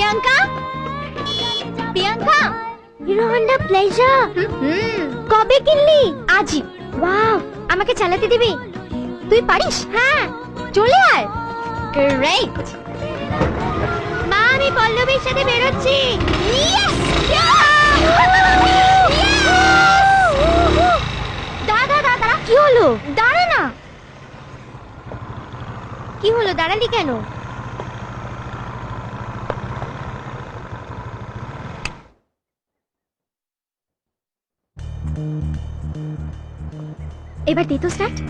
Priyanka, Priyanka, Hero Honda Pleasure কবে কিনলি? আজই। ওয়াও, আমাকে চালাতে দিবি? তুই পারিস? হ্যাঁ, চলে আয়। গ্রেট। মা, আমি পল্লবীর সাথে বেরোচ্ছি। দাঁড়া দাঁড়া, কি হলো? দাঁড়া না। কি হলো, দাঁড়ালি কেন? এবার দে তো স্টার্ট।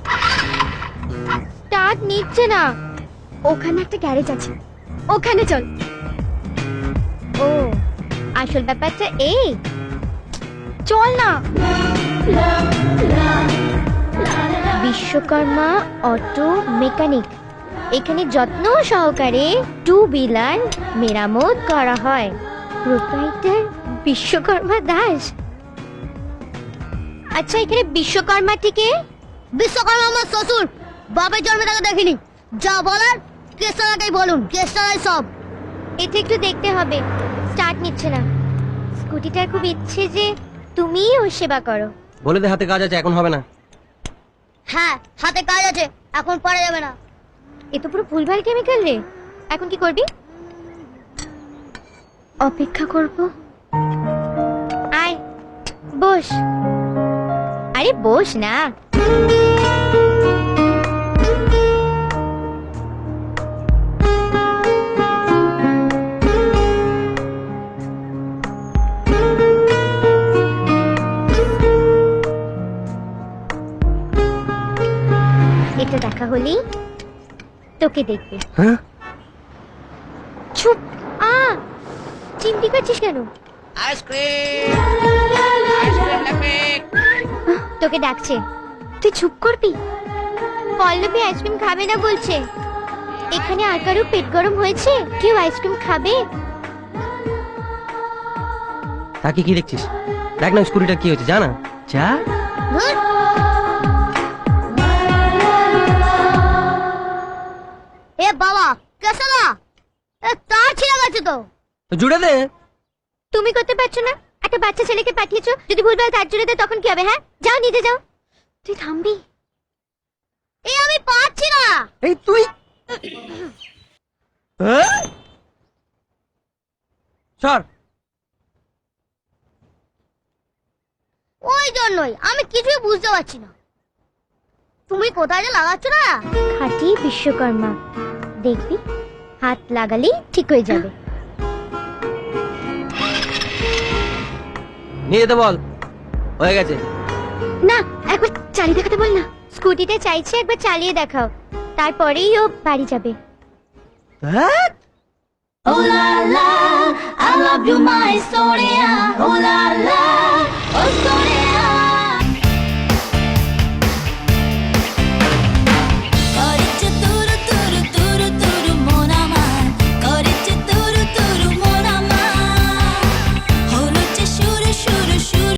স্টার্ট নিচ্ছে না। ওখানে একটা গ্যারেজ আছে, ওখানে চল। ও, আসল ব্যাপারটা এই। চল না। বিশ্বকর্মা অটো মেকানিক, এখানে যত্ন সহকারে টু হুইলার মেরামত করা হয়। প্রোপ্রাইটার বিশ্বকর্মা দাস। আচ্ছা, এখানে বিশ্বকর্মা থেকে? বিশ্বকর্মা আমার শ্বশুর, বাপের জন্মে তাকে দেখিনি। যা বলার কেসটাকেই বলুন, কেসটাই সব। এটা একটু দেখতে হবে। স্টার্ট নিচ্ছে না। স্কুটিটার খুব ইচ্ছে যে তুমিই ওর সেবা করো। বলে দে হাতে কাজ আছে, এখন হবে না। হ্যাঁ, হাতে কাজ আছে, এখন পারা যাবে না। এ তো পুরো ভুলভাল কেমিক্যাল রে। এখন কি করবি? অপেক্ষা করব। আয়, বস। আরে বস না। এটা দেখা হলেই তোকে দেখবে। হ্যাঁ, চুপ। চিমটি কাটছিস কেন? তোকে ডাকছে, তুই চুপ করবি? পল্লবী আইসক্রিম খাবে না বলছে। এখানে আর কারো পেট গরম হয়েছে? কেউ আইসক্রিম খাবে? তাকে কি দেখছিস? দেখ না স্কুটিটা কি হয়েছে, জানা যা। এ বাবা, কেসা না, তার ছিঁড়ে গেছে তো। জুড়ে দে। তুমি করতে পারছো না? একটা বাচ্চা ছেলেকে পাঠিয়েছো, যদি ভুলভাল তার জুড়ে দেয় তখন কি হবে? হ্যাঁ, যাও নিজে যাও। তুই থামবি? এই আমি পারছি না। এই তুই সর। ওই জন্যই আমি কিছুই বুঝতে পারছি না। তুমি কোথায় যে লাগাচ্ছ না? খাঁটি বিশ্বকর্মা, দেখবি হাত লাগালেই ঠিক হয়ে যাবে। নিয়ে যেতে বল, হয়ে গেছে। না, একবার চালিয়ে দেখাতে বল না। স্কুটিটা চাইছে, একবার চালিয়ে দেখাও, তারপরেই ও বাড়ি যাবে। Oh la la, I love you my Sonia. Oh la la.